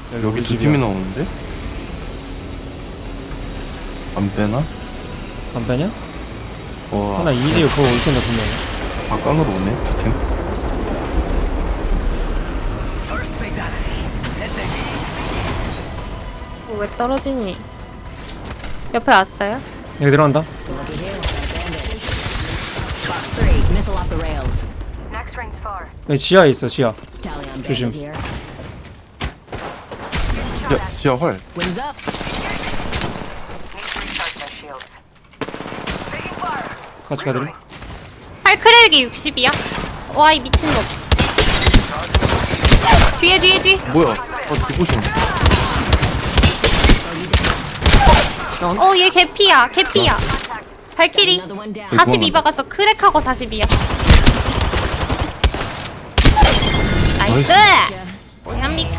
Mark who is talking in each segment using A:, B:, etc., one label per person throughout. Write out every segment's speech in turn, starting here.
A: 여기 두 팀이 나오는데? 안 빼나?
B: 안 빼냐?
A: 와.
B: 하나 이제 그거 올 텐데 분명히.
A: 막강으로 오네 두 팀.
C: 왜 떨어지니? 옆에 왔어요?
B: 여기 들어간다.
D: Fox 3, missile off the rails.
E: Next ring's far.
B: 여기 지하에 있어 지하.
D: Tally on
B: 조심.
D: bandit here.
A: 지하 활.
D: Wings up.
E: Need to recharge their shields. Taking fire.
B: 같이 가드림.
C: 팔 크랙이 60이야? 와 이 미친놈. 뒤에
A: 뭐야? 디보션.
C: 얘 개피야 발키리
D: Another one down.
C: 42 박았어. 크랙하고 42야. 나이스. 오현미크.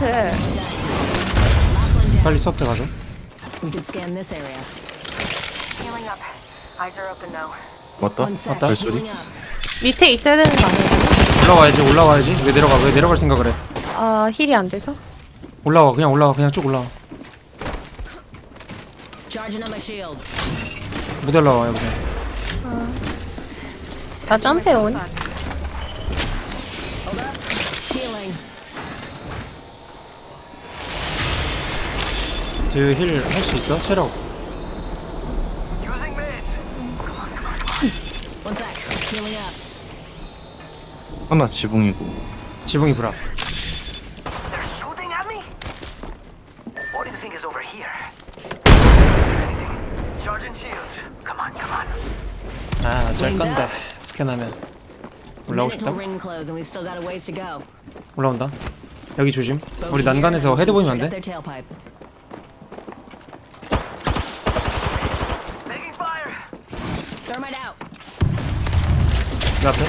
B: 빨리 수업해 가죠.
D: We can scan this area.
E: Healing up. Eyes are open now.
A: 왔다?
D: One sec.
B: 왔다.
D: Healing up.
C: 밑에 있어야 되는 거 아니야?
B: 올라와야지. 왜 내려갈 생각을 해?
C: 아 힐이 안 돼서?
B: 올라와 그냥 쭉 올라와.
D: Charging on my shields.
B: 못 올라와 여기서.
C: 나 점프해 온.
D: Hold up. Healing.
B: 뒤에 힐 할 수 있어? 체력.
E: Using meds.
D: One sec. Healing up.
A: 하나 지붕이고.
B: 지붕이 불합.
E: They're shooting at me? What do you think is over here? Charging shields. Come on, come on.
B: 아, 짤 건데. 스캔하면 올라오고
D: Minute
B: 싶다.
D: till ring close, and we've still got a ways to go.
B: 올라온다. 여기 조심. 우리 난간에서 헤드 보이면 안
D: Straight
B: 돼?
D: up their tailpipe.
E: Taking fire.
D: Thermite out.
B: 내 앞에.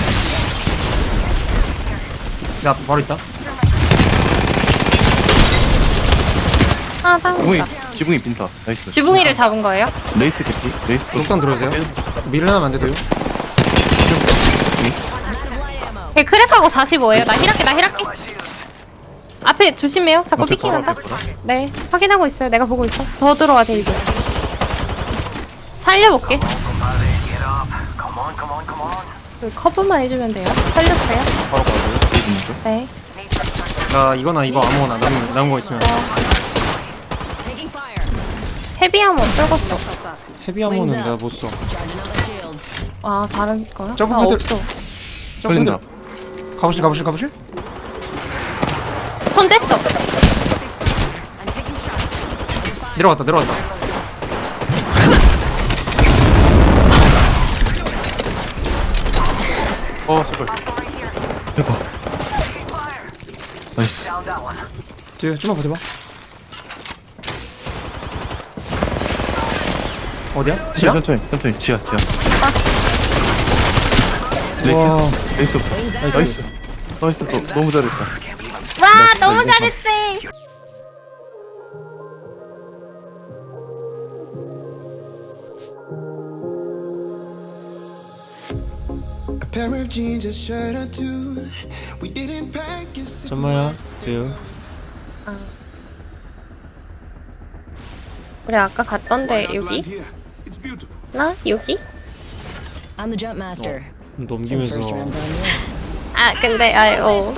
B: 내 앞에 바로 있다.
C: 아 다운이다.
A: 지붕이 빈다. 나이스.
C: 지붕이를 잡은 거예요?
A: 레이스 개피. 레이스.
B: 녹탄 들어오세요. 밀어나면 안 돼도요.
C: 걔 크랙하고 45예요. 나 힐할게.
E: My shields.
C: 앞에 조심해요. 자꾸
A: 어째
C: 피킹한다.
A: 바로 앞에
C: 네 확인하고 있어요. 내가 보고 있어. 더 들어와 데이지. 살려볼게.
E: Compadre, get up. Come on, come on, come on.
C: 그 커브만 해주면 돼요. 살렸어요.
A: 바로 가고요. 레이스 먼저.
C: 네.
E: Need to recharge.
B: 나 이거나 이거 아무거나 남은 거 있으면.
D: Taking fire.
C: 헤비하면 떨궜어.
B: 헤비 아모는 내가 못 써.
D: Charging on my shields.
C: 아 다른 거야?
B: 점프
C: 아
B: 포인트.
C: 없어.
A: 걸린다.
B: 가보실.
C: 손 뗐어.
B: 내려갔다.
A: 제발. 대박. 나이스.
E: Down that one.
B: 뒤에 좀만 버텨봐. 어디야? 지하?
A: 천천히. 지하.
B: 와.
A: 레이스.
B: 나이스.
A: 나이스. 너무 잘했다.
C: 와 너무 잘했지.
F: A pair of jeans, a shirt or two. We didn't pack it.
B: 전마야. 뒤에.
C: 우리 아까 갔던데 여기?
F: It's beautiful.
C: 나 여기?
D: I'm the jump master. So
B: 넘기면서.
D: first round's on you.
C: 아 근데 아유.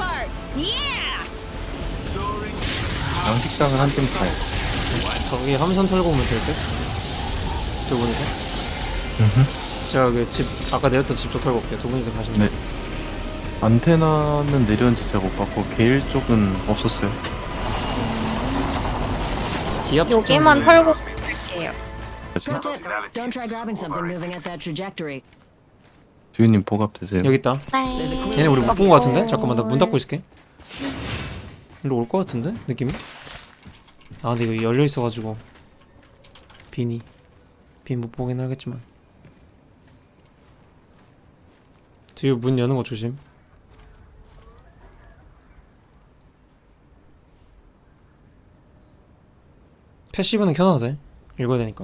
A: 양식장은 한 팀 타요.
B: 저기 함선 털고 오면 될 듯? 두 분이서? 제가 그 집 아까 내렸던 집 쪽 털고 올게요. 두 분이서 가시면
A: 네. 안테나는 내렸는지 제가 못 봤고 게일 쪽은 없었어요.
B: 기압
C: 여기만 털고 갈게요.
D: Pro tip: don't try grabbing something moving at that trajectory.
A: 주인님 보갑 되세요.
B: 여기 있다.
D: There's a
C: 네.
D: clue.
B: 얘네 우리 못 본 거 같은데? 잠깐만 나 문 닫고 있을게. 일로 올 거 같은데? 느낌이? 아 근데 이거 열려 있어가지고 빈 못 보긴 하겠지만 뒤에 문 여는 거 조심. 패시브는 켜놔도 돼. 읽어야 되니까.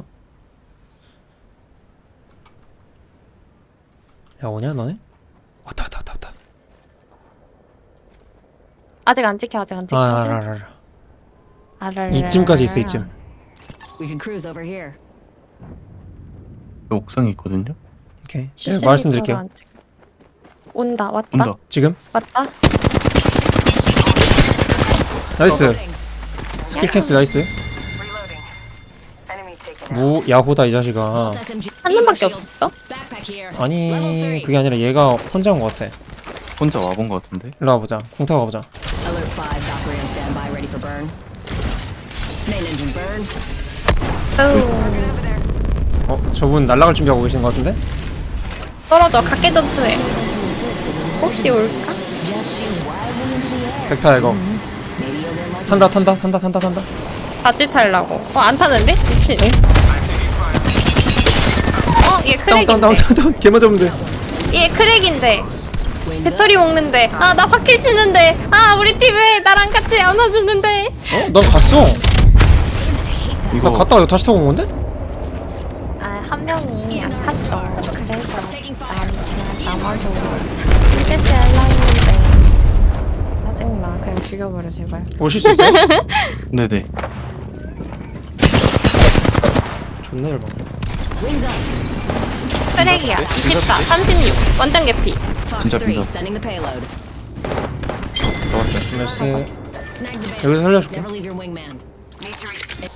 B: 야 오냐 너네? 왔다.
C: 아직 안 찍혀. 아직 안 찍혀.
B: 알아. 이쯤까지 있어 이쯤.
D: We can cruise over here.
A: 여기 옥상에 있거든요.
B: 오케이. 네, 말씀드릴게요.
C: 온다. 왔다.
A: 온다.
B: 지금
C: 왔다.
B: 나이스. 스킬 캔슬 나이스.
E: Reloading. Enemy taken out.
B: 무 야호다 이 자식아.
D: SMG.
C: 한 놈밖에 없었어?
D: Backpack here.
B: 아니 그게 아니라 얘가 혼자 온 것 같아.
A: 혼자 와본 것 같은데.
B: 일로 와보자. 궁 타고 가보자.
D: Alert 5, Valkyrie on standby, ready for burn. Main engine burn.
B: 저분 날아갈 준비하고 계신 것 같은데?
C: 떨어져. 각계 전투해. 혹시 올까?
B: 백타 이거. 탄다.
C: 같이 탈라고. 안 타는데? 미친. 얘 크랙인데.
B: 다운. 개 맞으면 돼.
C: 얘 크랙인데. 배터리 먹는데. 나 확킬 치는데. 우리 팀 왜 나랑 같이 안 와주는데.
B: 난 갔어.
A: 이거
B: 나 갔다가 이거 다시 타고 온 건데?
C: 한 명이 안 탔어. 그래서 난 그냥 남아서 실패시 할라 했는데. 짜증나. 그냥 죽여버려 제발.
B: 오실 수 있어요?
A: 네네.
B: 존나 열받네.
D: Wings up.
C: 크랙이야. 24, 36. 완전 개피.
D: Fox
A: 진짜
D: 3,
A: 빈다.
D: sending the payload.
B: 나이스.
D: Snag the band.
B: 여기서 살려줄게.
D: Never leave your wingman.
E: Need to re-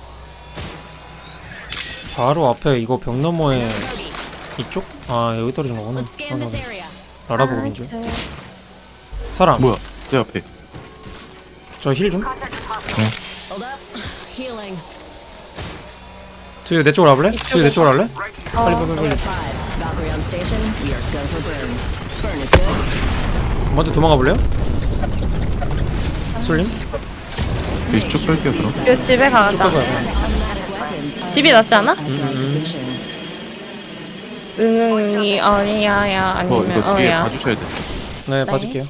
B: 바로 앞에 이거 벽 너머에 이쪽? 여기 떨어진 거구나.
D: Let's scan this area.
B: 알아보고 민주. 사람.
A: 뭐야? 내 앞에.
B: 저 힐 좀.
D: Hold up. Healing.
B: 두유 내 쪽으로 와볼래? 두유 내 쪽으로 할래? 빨리.
D: Alert 5, Valkyrie on station. We are go for burn. Burn is good.
B: 먼저 도망가 볼래요? 솔림?
A: 이쪽 뺄게요 그럼.
C: 요 집에 가자.
B: 가자.
C: 집이 낫지 않아?
D: Positions.
C: 응응이 아니야야 아니면
A: 이거 뒤에
C: 어야.
A: 봐주셔야 돼.
B: 네, 봐줄게요.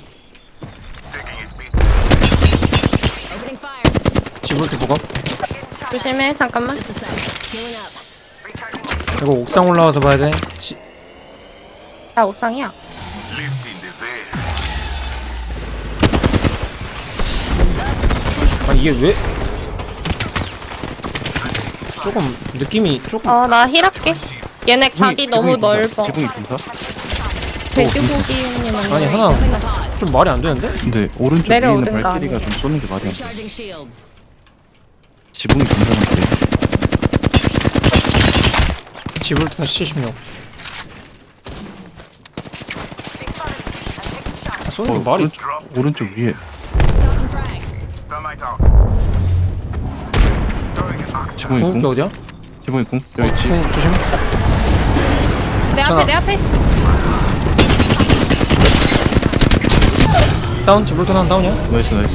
D: Opening fire.
B: 지브롤트 보고.
C: 조심해. 잠깐만.
D: Just a sec. Healing up.
B: 이거 옥상 올라와서 봐야 돼.
C: 나 옥상이야.
B: 이게 왜? 조금 느낌이 조금.
C: 나 힐할게. 얘네 각이 너무 넓어.
A: 지붕이 빈다?
C: 돼지고기님은
B: 아니 하나 좀 말이 안 되는데?
A: 근데 오른쪽에 있는
C: 내려오든가
A: 발키리가 좀 쏘는 게 말이 안 돼.
D: Recharging shields.
A: 지붕이 빈다는데.
B: 지브롤트 다시 76. 쏘는 게 말이.
A: 오른쪽 위에.
D: Toss and frag.
E: Thermite out. Throwing an ox.
A: 지붕이
B: 궁극기
A: 궁?
B: 어디야?
A: 지붕이 궁? 여기 있지.
B: 궁 조심.
C: 내 앞에 내 앞에.
B: 다운. 지브롤트 하나 다운이야?
A: 나이스.
B: 내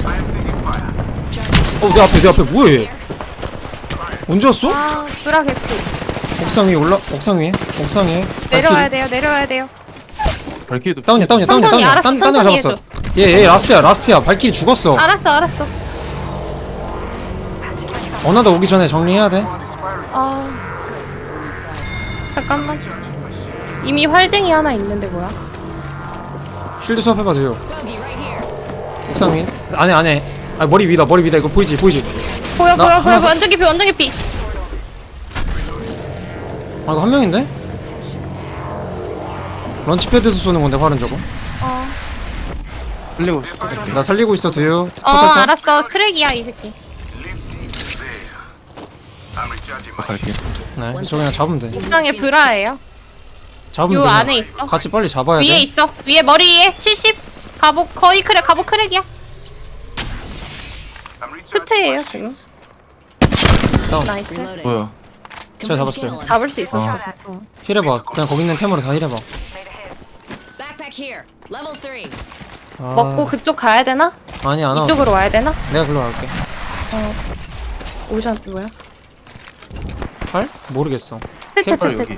B: 앞에 뭐해? 언제 왔어?
C: 뚜라 개피.
B: 옥상 위에 옥상에.
C: 내려와야 돼요.
A: 발키리도
B: 다운이야.
C: 천천히, 알았어,
B: 딴 데
C: 천천히
B: 잡았어.
C: 해줘.
B: 얘 라스트야. 발키리 죽었어.
C: 알았어.
B: 어나더 오기 전에 정리해야 돼.
C: 잠깐만. 이미 활쟁이 하나 있는데 뭐야?
B: 쉴드 수업 해봐 돼요.
D: Bogey right here.
B: 옥상 위. 안에. 머리 위다. 이거 보이지?
C: 보여. 완전 개피.
B: 이거 한 명인데? 런치패드에서 쏘는 건데 활은 저거.
A: 흘리고
B: 나 살리고 있어 두유.
C: 알았어. 크랙이야 이 새끼.
E: I'm recharging my
A: 갈게.
B: 네, 저 그냥 잡으면 돼.
C: 옥상에 브라예요.
B: 잡으면
C: 요
B: 돼.
C: 안에 있어.
B: 같이 빨리 잡아야 돼.
C: 위에 있어. 위에 머리 위에 70. 갑옷 거의 크랙. 갑옷 크랙이야.
E: I'm recharging
C: 끝에예요
E: my
C: 지금.
E: shields.
B: 다운.
C: 나이스.
D: Reloading.
A: 뭐야?
B: 제가 잡았어요.
C: 잡을 수 있었어.
B: 힐해봐. 그냥 거기 있는 템으로 다 힐해봐.
D: Backpack here. Level 3.
C: 먹고 그쪽 가야 되나?
B: 아니 안 와.
C: 이쪽으로 와야 되나?
B: 내가 글로 갈게.
C: 오션 뭐야?
B: 팔? 모르겠어.
C: 테테
B: 빨리
C: 테테.
B: 여기.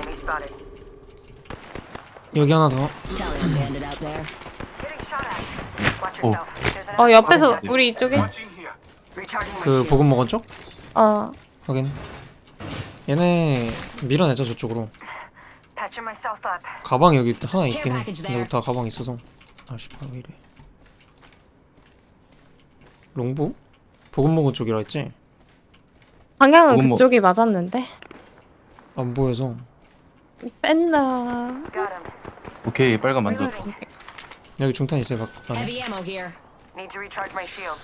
B: 여기 하나 더.
D: Italian bandit out there.
E: Getting shot at. Watch
A: Oh.
E: yourself. There's an
C: 옆에서 우리 이쪽에.
E: watching here. Recharging my
B: 그
E: shield.
B: 보급 먹은 쪽?
E: Patching
B: 확인. 얘네 밀어내자 저쪽으로.
E: myself up.
B: 가방이 여기 하나 있긴 해. 근데 여기 다 가방 있어서. 아씨 왜 이래. 롱부? 보급 먹은 쪽이라 했지?
C: 방향은
A: 그건 뭐-
C: 그쪽이 맞았는데.
B: 안 보여서.
C: 뺀다.
A: 오케이 빨간 만져.
B: 여기 중탄 있어요. 안에.
D: Heavy ammo here.
E: Need to recharge my shields.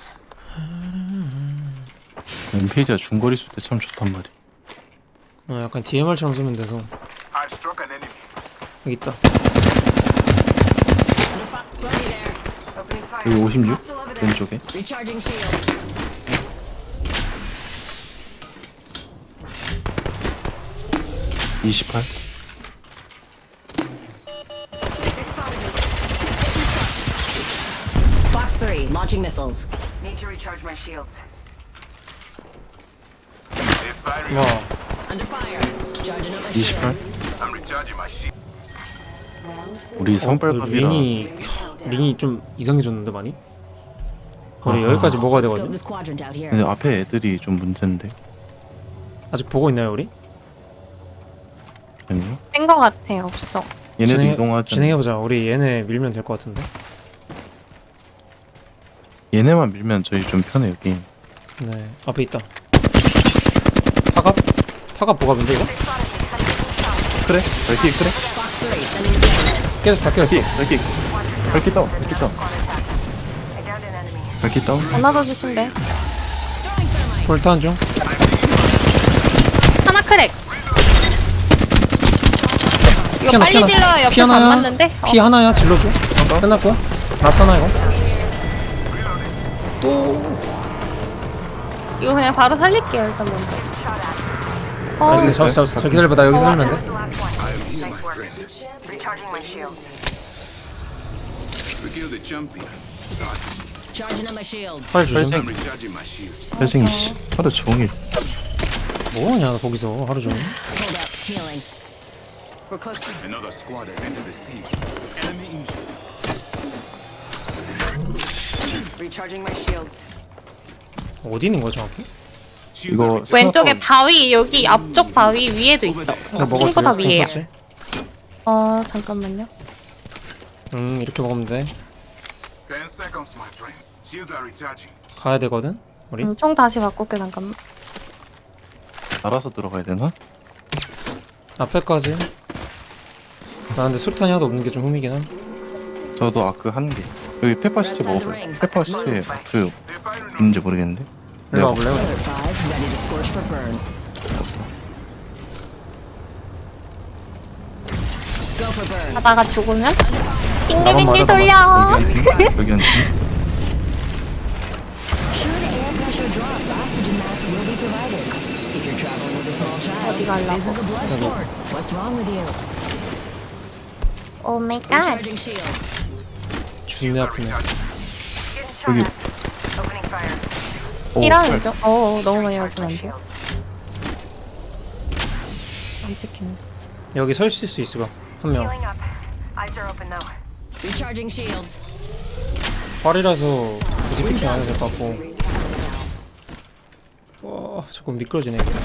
A: 엠페이지가 중거리 쏠 때 참 좋단 말이야.
B: 약간 DMR처럼 쓰면 돼서.
E: I've struck an enemy.
B: 여기 있다.
D: Buddy there.
E: Opening fire.
A: 여기 56
E: Hostile over there.
A: 왼쪽에.
D: Recharging shields.
A: 28.
D: Fox 3, launching missiles.
E: Need to recharge my shields.
B: 와,
D: Under fire. Charging up my
A: 28.
D: shields.
E: I'm recharging my shields.
A: 우리
B: 그
A: 성빨갑이라
B: 링이 좀 이상해졌는데 많이? 우리
A: 아하.
B: 여기까지 먹어야
D: Scope
B: 되거든.
D: this quadrant out here.
A: 근데 앞에 애들이 좀 문제인데.
B: 아직 보고 있나요 우리?
A: 아니요?
C: 뺀거 같아. 없어.
A: 얘네도 이동하자.
B: 진행해보자. 우리 얘네 밀면 될 것 같은데.
A: 얘네만 밀면 저희 좀 편해요 게임.
B: 네, 앞에 있다. 타갑 보갑인데 이거?
A: 그래? 발키 그래?
D: Fox 3, sending the camera.
B: 깨졌어, 다 깨졌어.
A: 발키 발키 다운 발키 다운
E: I downed an enemy.
A: 발키 다운.
C: 안아줘 주신대.
B: 볼탄 중.
C: 하나 크랙. 이거
B: 피 하나,
C: 빨리
B: 피 하나.
C: 질러야
B: 피
C: 옆에서 안
B: 하나야?
C: 맞는데?
B: 피 하나야, 질러줘. 끝났고. 라스나 이거. 또.
C: 이거 그냥 바로 살릴게요 일단 먼저.
B: 나이스, 잡았어. 저 기다려봐. 나 여기서 살면 돼.
E: The last one. Nice work. Recharging my shields.
G: Kill the champion.
D: Charging up my shields.
B: 팔 조심.
A: 혈생
G: Recharging my shields.
A: 혈생 씨 하루 종일.
B: 뭐하냐, 너 거기서 하루 종일.
D: Hold up. Healing.
E: We're close to
G: Another squad has entered the sea. Enemy injured.
E: recharging my shields.
B: 어디 있는 거야, 정확히?
G: Shields are
A: 이거
G: recharged.
C: 왼쪽에 바위 여기 앞쪽 바위 위에도 있어.
B: 나
C: 친구 다 위에요.
B: 먹었지?
C: 잠깐만요.
B: 이렇게 먹으면 돼.
G: 10 seconds, my friend. Shields are recharging.
B: 가야 되거든, 우리.
C: 총 다시 바꿀게 잠깐만.
A: 알아서 들어가야 되나?
B: 앞에까지. 나 근데 수류탄이 하나도 없는 게 좀 흠이긴 한.
A: 저도 아크 한 개. 여기 페퍼 시체 먹어봐요. 페퍼 시체 그 있는지 모르겠는데.
B: 일로 와볼래요?
D: Another 5, ready to scorch for burn. Go for burn.
C: 하다가 죽으면
B: 나만
C: 빙글빙글
B: 맞아,
C: 돌려.
A: 여기 한 팀, 여기 한 팀.
D: Should air pressure drop, oxygen mask will be provided. If you're traveling with a small child,
C: 어디 가려고?
D: this is a blood sport. What's wrong with you?
C: 오 마이 갓.
D: Recharging shields.
B: 죽네 아프네.
E: Getting shot
A: 여기
E: at. Opening fire.
C: 이라는 중. 너무 많이 맞으면 안 돼. 안 찍히네.
B: 여기 서 있을 수 있어. 한 명.
E: Healing up. Eyes are open though.
D: Recharging shields.
B: 활이라서 굳이 피킹 안 해도 될 것 같고. 와, 자꾸 미끄러지네. 이거.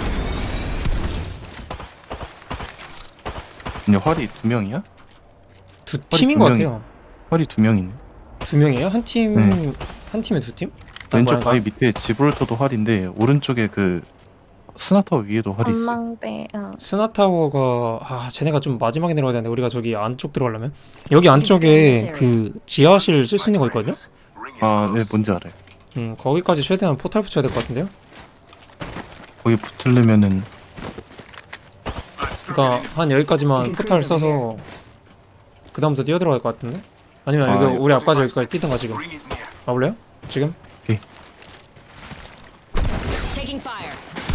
A: 근데 활이 두 명이야?
B: 두 팀인 것
A: 두 명이-
B: 같아요.
A: 활이 두 명이네.
B: 두 명이에요? 한 팀,
A: 네.
B: 한 팀에 두 팀?
A: 왼쪽
B: 뭐야,
A: 바위 밑에 지브롤터도 활인데 오른쪽에 그 스나타워 위에도 활이 있어.
C: 전망대.
B: 스나타워가 쟤네가 좀 마지막에 내려가야 되는데 우리가 저기 안쪽 들어가려면 여기 안쪽에 그 지하실 쓸 수 있는 거 있거든요?
G: Ring is
A: 아, 네
G: close.
A: 뭔지 알아요.
B: 거기까지 최대한 포탈 붙여야 될 것 같은데요?
A: 거기 붙으려면은
B: 그러니까 한 여기까지만 포탈 써서 그 다음부터 뛰어 들어갈 것 같은데? 아니면
A: 아,
B: 여기 우리 앞까지 여기까지 뛰든가 지금.
G: Ring is near.
B: 와볼래요? 지금?
D: Taking fire.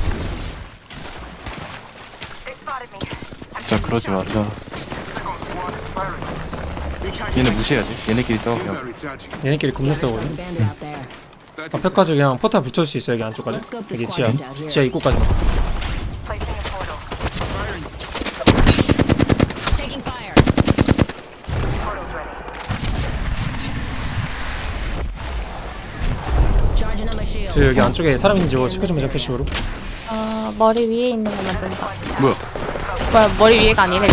E: They spotted me. I'm
A: 자
E: taking
A: 그러지
E: shots.
A: 말자.
G: Second squad is firing on us.
E: Recharging
A: 얘네
E: my
A: 무시해야지. 얘네끼리 싸워
G: Shields are
A: 그냥.
G: recharging.
B: 얘네끼리 겁나
D: There's
B: 싸우거든?
D: a bandit out there.
G: 30
B: 앞에까지 그냥 포탈 붙여줄 수 있어 여기 안쪽까지.
D: Let's scope this
B: 여기 지하.
D: quadrant out here.
B: 지하 입구까지.
E: placing a portal.
D: Taking fire.
E: Portal's ready.
D: Charging up my shields.
B: 저 여기 안쪽에 사람 있는지 이거 체크 좀 해줘 패시브로.
C: 머리 위에 있는 거 만든다.
A: 뭐야?
C: 뭐야 머리 위에가 아니네.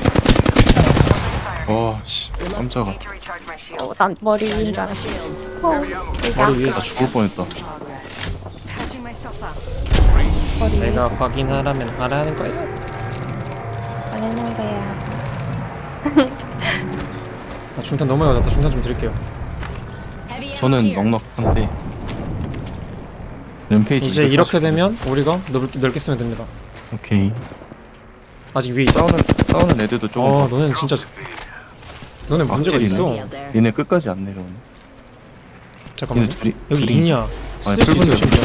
A: 와, 씨, 깜짝아.
E: Need to recharge my shield.
C: 난 머리 위인
D: Charging
C: 줄
D: up my
C: 알았어.
D: shields.
C: 여기
B: 머리 위에
A: 나 죽을 뻔했다.
E: Patching myself
B: 내가 확인하라면 하라는 거야.
C: 말하는 거야.
B: 아, 중탄 너무 낮았다. 중탄 좀 드릴게요.
D: Heavy ammo
A: 저는
D: here.
A: 넉넉한데 램페이지
B: 이제 이렇게
A: 240.
B: 되면 우리가 넓게 쓰면 됩니다.
A: 오케이.
B: 아직 위에 있어.
A: 싸우는 애들도 조금
B: 너는 진짜 너네 문제가
A: 악질이네.
B: 있어.
D: Out there.
A: 얘네 끝까지 안 내려오네.
B: 잠깐만.
A: 얘네 둘이
B: 여기
A: 둘이-
B: 있냐?
A: 아니,
B: 쓸 수 있어
A: 붉은
B: 심지어.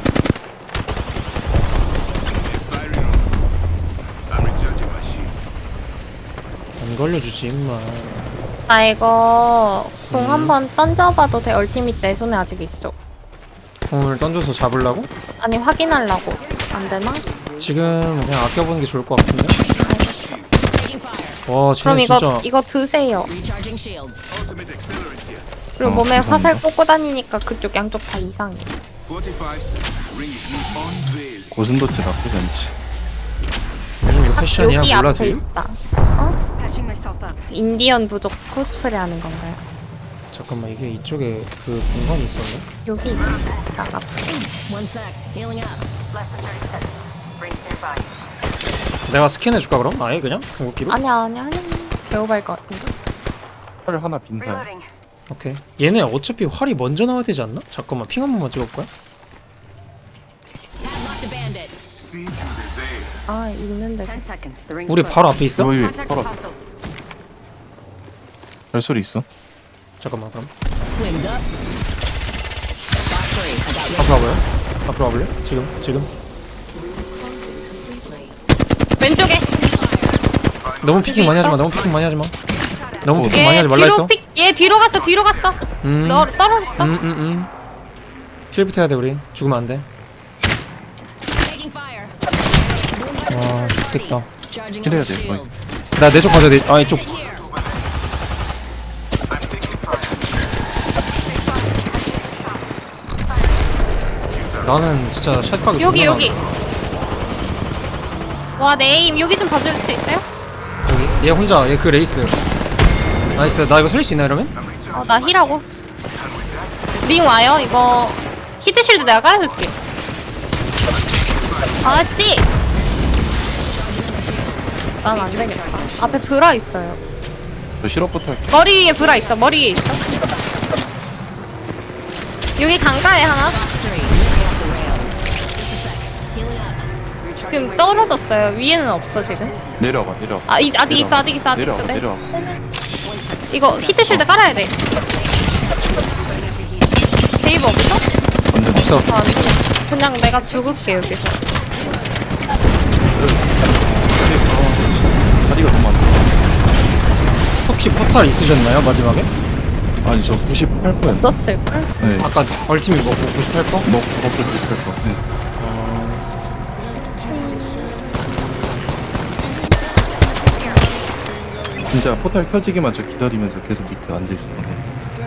G: I'm recharging my shields.
B: 안 걸려주지 임마.
C: 나 이거 공 한번 던져봐도 돼? 얼티밋 내 손에 아직 있어.
B: 궁을 던져서 잡으려고?
C: 아니 확인하려고. 안 되나?
B: 지금 그냥 아껴보는 게 좋을 것 같은데.
D: Taking fire.
B: 와
C: 그럼
B: 쟤네 진짜
C: 이거 드세요.
D: Recharging shields.
G: Ultimate accelerant here.
C: 그리고 몸에
A: 감사합니다.
C: 화살 꽂고 다니니까 그쪽 양쪽 다 이상해.
G: 45 seconds. Ring is unveiled.
A: 고슴도치 나쁘지 않지.
B: 요즘 이거 패션이야
C: 여기
B: 몰라
C: 앞에
B: 도
C: 있다. 어? 인디언 부족 코스프레 하는 건가요?
B: 잠깐만 이게 이쪽에 그 공간이 있었네.
C: 여기 있다. 앞에.
D: One sec. Healing up.
B: 내가 스캔해줄까 그럼? 아예 그냥? 궁극기로?
C: 아니야. 개오발 것 같은데.
A: 팔 하나 빈사야.
B: 오케이. 얘네 어차피 활이 먼저 나와야 되지 않나? 잠깐만 핑 한 번만 찍어볼까요?
D: Padlock the bandit.
G: See through the veil.
C: 아 있는데.
B: 우리 바로 앞에 있어?
A: 여기 바로 발소리 있어?
B: 잠깐만 그럼
D: Wings up. Box 3. I got
B: 앞으로 와봐요. 앞으로 와볼래? 지금
C: 왼쪽에.
B: 너무 피킹 많이 하지마.
C: 있어?
B: 너무 피킹 많이 하지마. 너무 피킹
C: 얘
B: 많이 하지 말라
C: 뒤로
B: 했어.
C: 얘 뒤로 갔어. 너 떨어졌어.
B: 힐부터 해야 돼 우리. 죽으면 안 돼.
D: taking fire.
B: 와 좋겠다.
D: Charging
A: 킬해야
D: up
A: 돼,
D: shields.
B: 나 내 쪽 가져야 돼. 아 이쪽. 나는 진짜 샷각이
C: 여기
B: 존나
C: 여기. 와 내 에임 여기 좀 봐줄 수 있어요?
B: 많아. 여기 얘 혼자 얘 그 레이스. 나이스. 나 이거 살릴 수 있나 이러면?
C: 나 힐하고. 링 와요. 이거 히트 실드 내가 깔아줄게. 아씨. 난 안 되겠다. 앞에 브라 있어요.
A: 저 실업부터 할게.
C: 머리 위에 브라 있어. 머리 위에 있어. 여기 강가에 하나.
D: Box 3. Missing off the rails. Just a sec. Healing up.
C: 지금 떨어졌어요. 위에는 없어 지금.
A: 내려가.
C: 아 아직 있어.
A: 내려가.
C: 네.
A: 내려가.
C: 이거 히트 실드 깔아야 돼. 데이브 없어?
A: 완전 없어.
C: 아, 안 되겠다. 그냥 내가 죽을게 여기서.
A: 다리가 너무 안 좋아.
B: 혹시 포탈 있으셨나요 마지막에?
A: 아니 저 98%였나?
C: 넣었을걸?
A: 네.
B: 아까 얼티밋 먹고 98%?
A: 먹고 98%. 네. 진짜 포탈 켜지기만 저 기다리면서 계속 밑에 앉아 있었거든.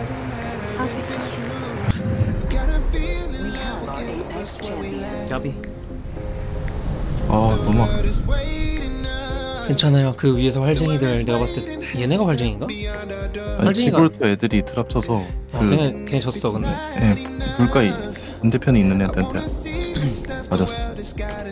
B: 야비.
A: 아 너무 아파.
B: 괜찮아요. 그 위에서 활쟁이들 내가 봤을 때 얘네가 활쟁인가?
A: 아니
B: 활쟁이가-
A: 지브롤터 애들이 드랍쳐서
B: 걔네 졌어 근데.
A: 예, 물가에 반대편에 있는 애들한테 맞았어.